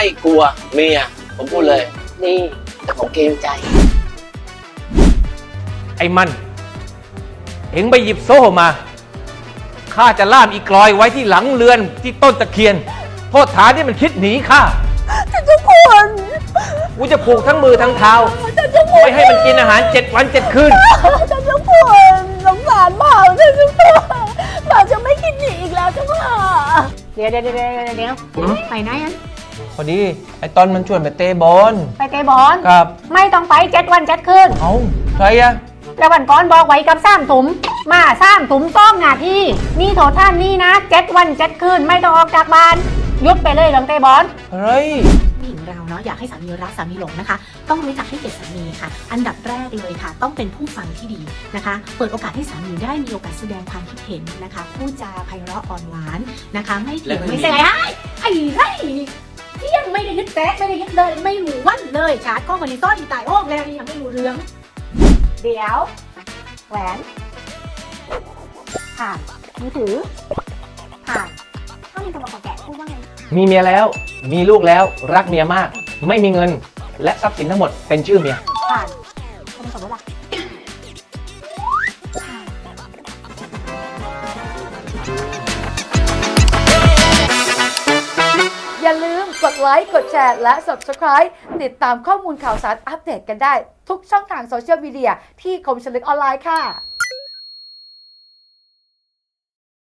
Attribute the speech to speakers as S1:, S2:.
S1: กลัวเมียผมพูดเลยนี่แต่ผมเกรงใจ
S2: ไอ้มันเอ็งไปหยิบโซ่มาข้าจะล่ามอีกลอยไว้ที่หลังเรือนที่ต้นตะเคียนโทษฐานที่มันคิดหนีข้า
S3: ท่านเจ้าคุณ
S2: กูจะผูกทั้งมือทั้งเท้าไม่ให้มันกินอาหาร7 วัน 7 คืน
S3: ท่านเจ้าคุณสงสารบ่าวท่านเจ้าคุณบ่าวจะไม่กินหนีอีกแล้วเจ้าค่ะเดี๋ยวไปไหนอัน
S2: พอดีไอ้ตอนมันชวนไปเตะบอล
S3: ไปเตะบอล
S2: ครับ
S3: ไม่ต้องไป7 วัน 7 คืน
S2: เอ้าใครอะ
S3: แล้ววันก่อนบอกไว้กับ3 ถุงมา3 ถุงต้องหน้าที่นี่โทษท่านนี่นะ7 วัน 7 คืนไม่ต้องออกจากบ้านยุดไปเลยเรื่องเตะบอล
S2: เฮ้ย
S4: ผู้หญิงเราเนาะอยากให้สามีรักสามีหลงนะคะต้องรู้จักให้เกียรติสามีค่ะอันดับแรกเลยค่ะต้องเป็นผู้ฟังที่ดีนะคะเปิดโอกาสให้สามีได้มีโอกาสแสดงความคิดเห็นนะคะพูดจาไพเราะอ่อนหวานนะคะไม่เถียงไม่เสียดายไอ้ไรเที่ยงไม่ได้ยึดแตะไม่ได้ยึดเลยไม่รู้วันเลยชาร์จก็วันนี้ต้อนตายโอ้แล้วนี่ยังไม่รู้เรื่อง
S3: เดี๋ยวแหวนผ่านมือถือผ่านถ้ามีคนมาขอแกะพูดว่าไง
S2: มีเมียแล้วมีลูกแล้วรักเมียมากไม่มีเงินและทรัพย์สินทั้งหมดเป็นชื่อเมีย
S3: ผ่านคนสมมติล่ะอย่าลืมกดไลค์กดแชร์และ Subscribe ติดตามข้อมูลข่าวสารอัปเดตกันได้ทุกช่องทางโซเชียลมีเดียที่คมชลึกออนไลน์ค่ะ